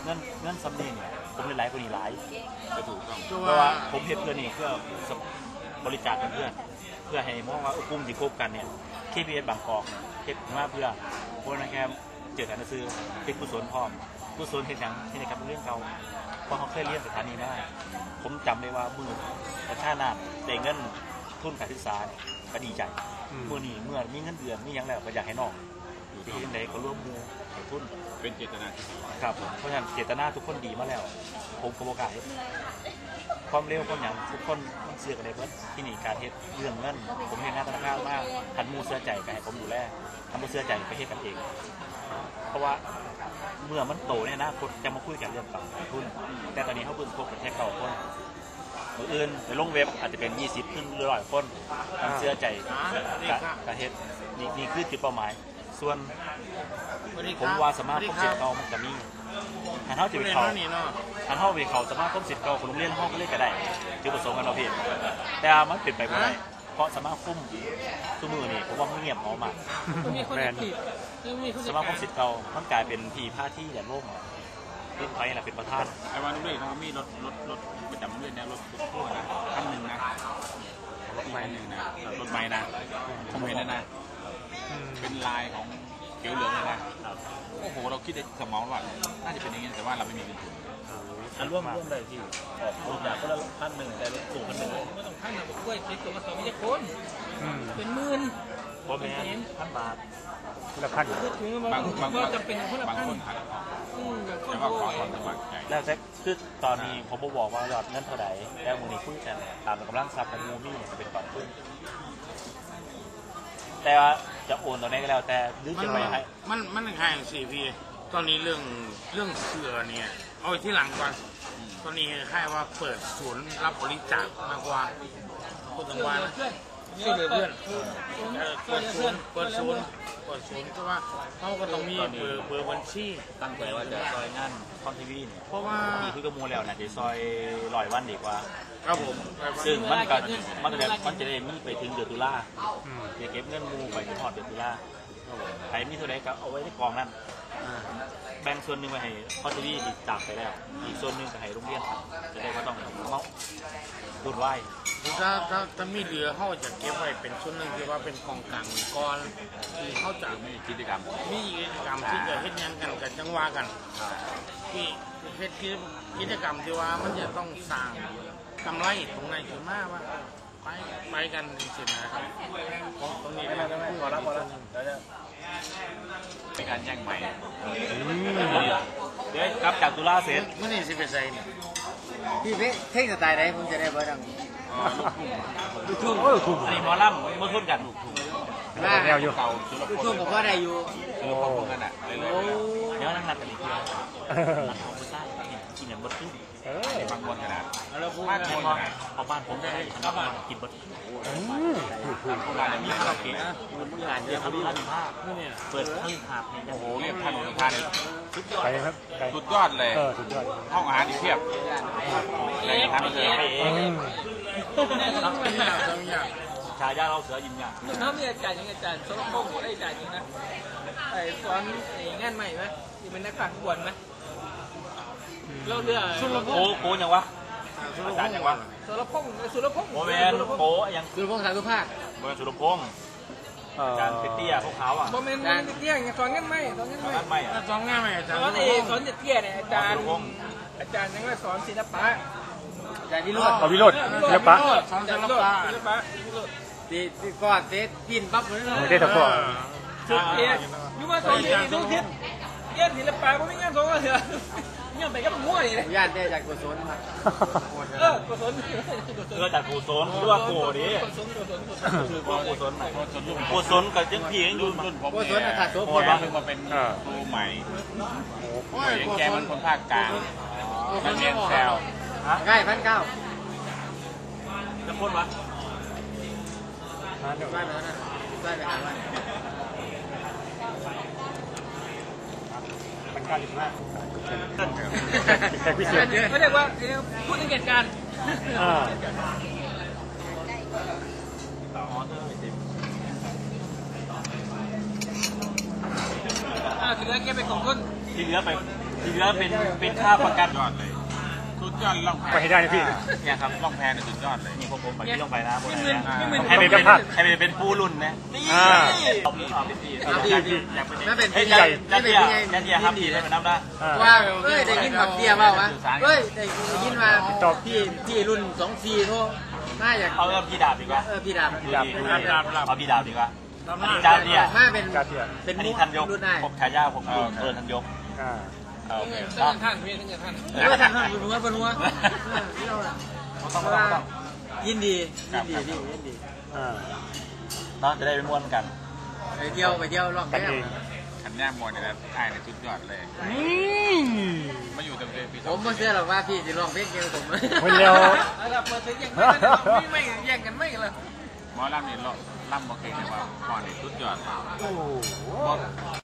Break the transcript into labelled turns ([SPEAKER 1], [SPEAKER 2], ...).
[SPEAKER 1] เงินซัมนี่เนี่ยผมเล่นหลายกว่านี้หลายก็ถูกต้องเพ
[SPEAKER 2] เพ
[SPEAKER 1] ราะ
[SPEAKER 2] ราะ
[SPEAKER 1] ว่า
[SPEAKER 2] ว่า
[SPEAKER 1] ผมเห็นเพื่อนนี่เพื่อบริจาคเพื่อนเพื่อให้มองว่ากลุ่มที่คบกันเนี่ยKPS บางกอกเฮ็ดมาเพื่อพวกนักแคมเจอกันซื้อเป็นกุศลพร้อมกุศลเห็นอย่างที่ในกับเรื่องเขาเพราะเขาเคยเรียนสถานีมาผมจำได้ว่ามือประชานาได้เงินทุนการศึกษาก็ดีใจเมื่อนี้เมื่อมีเงินเดือนมีอย่างแล้วก็อยากให้น้องที่ยังไงก็ร่วมมือให้ทุน
[SPEAKER 2] เป็นเจตนา
[SPEAKER 1] ครับเพราะฉะนั้นเจตนาทุกคนดีมาแล้วผมโอกาสความเร็วความอย่างทุกคนเสื่อกันเลยเพื่อที่นี่การเฮ็ดเรื่องเงินผมเห็นงานธนาคารมากทันมูเสื้อใจก็ให้ผมดูแลทำมูเสื้อใจไปเฮ็ดกันเองเพราะว่าเมื่อมันโตเนี่ยนะคนจะมาคุยกันเรื่องต่างทุนแต่ตอนนี้เขาเพิ่งพบกันแค่9 คนมืออื่นในลงเว็บอาจจะเป็น20 ขึ้น100 คนทำเสื้อใจการเฮ็ดนี่คือจุดเป้าหมายส่วนผมว่าสามารถพบเจ็ดเก่ามันจะมีหันเท่าจะไปเขาหันเท่าไปเขาสามารถพบเจ็ดเก่าของโรงเรียนห้องก็เล่นก็ได้จุดประสงค์กันเราเพียงแต่มันเปลี่ยนไปไม่ได้เพราะสามารถคุ้มตัวมือนี่ผมว่ามันเงียบเอามาก
[SPEAKER 3] แมน
[SPEAKER 1] สามารถพบเจ็ดเก่ามันกลายเป็นทีผ้าที่แดนร่มรุ่นไปแหละเป็นประธาน
[SPEAKER 2] ไอ้วันนู้นเลยเขามีรถประจำเรื่อยนะรถตู้นะคันหนึ่งนะรถไม้หนึ่งนะรถไม้นะผมเห็นนะเป็นลายของเขียวเหลืองเลยนะโอ้โหเราคิดในสมองว่าน่าจะเป็นอย่างนี้แต่ว่าเราไม่มีเงินทุน
[SPEAKER 1] ร่วมได้ที่ออกจากคนละ1,000แต่รถตู้1,000
[SPEAKER 3] ไม่ต้องพันนะผมกล้วยติดตัวมา2 ไม่ใช่คนเป็นหมื่น
[SPEAKER 1] พอแม่1,000 บาท
[SPEAKER 2] บาง
[SPEAKER 3] จะเป็นคนละ
[SPEAKER 2] คนหักแต่ว่าของสมัครใจ
[SPEAKER 1] แล้วแต่คือตอนนี้ผมบอกว่ายอดเงินเท่าไหร่แล้วมูลนิธิกันตามกำลังทรัพย์ของมูมี่จะเป็นก่อนขึ้นแต่ว่าจะโอนตอนนี้ก็แล้วแต่หรือจะไปให้
[SPEAKER 4] มันใครสิพี่ตอนนี้เรื่องเสือเนี่ยเอาที่หลังก่อนตอนนี้ใครว่าเปิดศูนย์รับบริจาคมากกว่าคนต่างวันช่วยเหลือเพื่อนเปิดศูนย์ก็ว่าเขาก็ต้องมีเบอร์บัญชี
[SPEAKER 1] ตั้งใจว่าจะซอยงานคอนทีวีเนี่ย
[SPEAKER 4] เพราะว่า
[SPEAKER 1] มีคุยกับมูแล้วนะจะซอย100 วันดีกว่า
[SPEAKER 4] ครับผม
[SPEAKER 1] ซึ่งมันจะได้มีไปถึงเดือนตุลาจะเก็บเงินมูไปถึงพอดเดือนตุลาใครมีเท่าไหร่ก็เอาไว้ในกองนั้นแบ่งส่วนหนึ่งไปให้คอนทีวีที่จากไปแล้วอีกส่วนหนึ่งไปให้โรงเรียนจะได้ก็ต้องเขาดูดไหว
[SPEAKER 4] ถ้ามีเหลือเขาจะเก็บไว้เป็นส่วนหนึ่งที่ว่าเป็นกองกลางก้อนที่เขาจะ
[SPEAKER 2] มีกิจกรรม
[SPEAKER 4] ที่จะเฮ็ดงานกันกับจังหวะกันที่เฮ็ดกิจกรรมที่ว่ามันจะต้องสร้างกำไรตรงไหนขึ้นมาว่าไปกันสินะครับตรงนี้ได้
[SPEAKER 1] พอแล้ว
[SPEAKER 2] เป็นการแย่งใหม่
[SPEAKER 1] เดี๋ยวกลับจากตุลาเสร็จ
[SPEAKER 4] มื่อนี้สิเป็นไงเนี่ย
[SPEAKER 3] พี่เท่งสไตล์ไหนผมจะได้เบอร์ดัง
[SPEAKER 1] ลูกทุ่งไอ้หมอลำมาทุ่นกันลูกทุ่ง
[SPEAKER 3] แนวอยู่ลูกทุ่งผมก็ได้อยู่
[SPEAKER 2] พร้อมกันอ่ะ
[SPEAKER 1] เดี๋ยวนั่งนัดกันอีกทีมันของผู้ชายกินอย่างบดขึ้น
[SPEAKER 2] บางคนขนาด
[SPEAKER 1] แล้วพูดเอาบ้านผมได้ทำบ้านกินบดโบราณมีคาราโอเกะงานเยอะทำท่าเปิดให้หาบ
[SPEAKER 2] โอ้โหเรียกท่าน
[SPEAKER 1] สุดยอด
[SPEAKER 5] ครับ
[SPEAKER 2] สุดยอดเลยห้องอาหารอีกเพียบ
[SPEAKER 1] ในทางเลยไปเองชายาเราเสือยินยา
[SPEAKER 3] น้ำมีอาจารย์ยังอาจารย์สมพงศ์ได้อาจารย์จริงนะไอ้สอนงานใหม่ไหมที่เป็นนักขังบวนไหมเราเรือ
[SPEAKER 1] โกยังวะอาจารย์ยังวะ
[SPEAKER 3] สุรพงศ์
[SPEAKER 1] โมเมนโกยัง
[SPEAKER 3] สุรพงศ์สายสุภาพ
[SPEAKER 1] โมเมนสุรพงศ์การเตี้ยพวกเขาอ่ะ
[SPEAKER 3] โมเมนเตี้ยสอนงานใหม่
[SPEAKER 4] สอนงานใหม่อาจารย์
[SPEAKER 3] สอนเตี้ยเนี่ยอาจารย์ยังว่าสอนศิลปะอาจารย์วิโรจน์
[SPEAKER 5] วิโรจน์ศิลปะ
[SPEAKER 4] สอนศิลปะ
[SPEAKER 3] ตีก้อนเตะกินปั๊บเลย
[SPEAKER 5] เตะตะก้อ
[SPEAKER 3] สุดเตี้ยยุ่งมาสอนทุกทิศเตี้ยศิลปะผมไม่งั้นสอนก็เถอะเนี่ยไปก็มั่วเลย
[SPEAKER 4] ญาติได้จากกุศลครับ
[SPEAKER 3] กุศล
[SPEAKER 1] จากกุศลด้วยโกดิคือกุศลกุศลกับจังพี่ยังอยู่
[SPEAKER 4] รุ่นผมกุศลขาดโสพล
[SPEAKER 2] เพิ่งมาเป็นครูใหม่ยังแกมันคนภาคกลางมันเรียนแซว
[SPEAKER 4] ใกล้1,900
[SPEAKER 1] จะพูดวะ
[SPEAKER 4] ได้ไป1,500
[SPEAKER 3] เขาเรียกว่าพูดถึงเหตุการณ์ถึงแล้วแกไปของคน
[SPEAKER 1] ที่เหลือไปที่เหลือเป็นค่าประกัน
[SPEAKER 2] ยอดเลยสุดยอดล่องแพ
[SPEAKER 5] ไปให้ได้นะพี่
[SPEAKER 1] เนี่ยครับ
[SPEAKER 2] ล่องแพเนี่ยสุดยอดเลย
[SPEAKER 1] นี่พวกผมไปที่ต้องไปนะพวก
[SPEAKER 3] นี่
[SPEAKER 1] นี้
[SPEAKER 3] มัน
[SPEAKER 1] ให้
[SPEAKER 3] นี่
[SPEAKER 1] ไป
[SPEAKER 3] มัน
[SPEAKER 1] เป็นให้ไปเป็นผู้รุ่นนะนี่
[SPEAKER 5] อ่า
[SPEAKER 1] อยากเป็น
[SPEAKER 3] ไม่เป็น
[SPEAKER 1] เฮ้ย
[SPEAKER 3] พี่ใหญ่
[SPEAKER 1] ยันเดียยันเดียครับดีได้เป็นน้ำได้
[SPEAKER 3] ว่าเอ้ยได้ยินบักเดียเปล่าวะเฮ้ยได้ยินมาพี่รุ่น24โทรน่าอยาก
[SPEAKER 1] เอาพี่ดาบดีกว่า
[SPEAKER 3] พี่ดาบ
[SPEAKER 1] เอาพี่ดาบดีกว่าอันนี้จ้าเนี่ย
[SPEAKER 3] มาเป็น
[SPEAKER 5] กาเทีย
[SPEAKER 3] เป็น
[SPEAKER 1] อัน
[SPEAKER 3] มุ
[SPEAKER 1] นี้
[SPEAKER 3] ก
[SPEAKER 1] ทันยก
[SPEAKER 3] รุ่นได้
[SPEAKER 1] ผมฉายาผมทันยก
[SPEAKER 5] อ่า
[SPEAKER 1] โอเค
[SPEAKER 3] ท่านพี่ท่านท่านบนหัวบนหัว
[SPEAKER 1] ต้อง
[SPEAKER 3] ยินดีพี่ยินดี
[SPEAKER 5] อ่า
[SPEAKER 1] เนาะจะได้ไปม่วนกัน
[SPEAKER 3] ไปเที่ยวลอง
[SPEAKER 5] กัน
[SPEAKER 3] แก้
[SPEAKER 5] เอง
[SPEAKER 2] ขันย่ามวยเนี่ยนะไอ้เนี่ยสุดยอดเลย มาอยู่ตั้งแต่ปี
[SPEAKER 3] ผมไม่เชื่อหรอกว่าพี่จะลองเพลงเกี่ยวกับผม
[SPEAKER 5] คนเดียว
[SPEAKER 3] เราเปิดเสียงไม่แย่งกันไม่เลย
[SPEAKER 2] หมอลำนี่ล่ำโอเคเลยว่าก่อนนี่สุดยอด
[SPEAKER 5] โอ้โห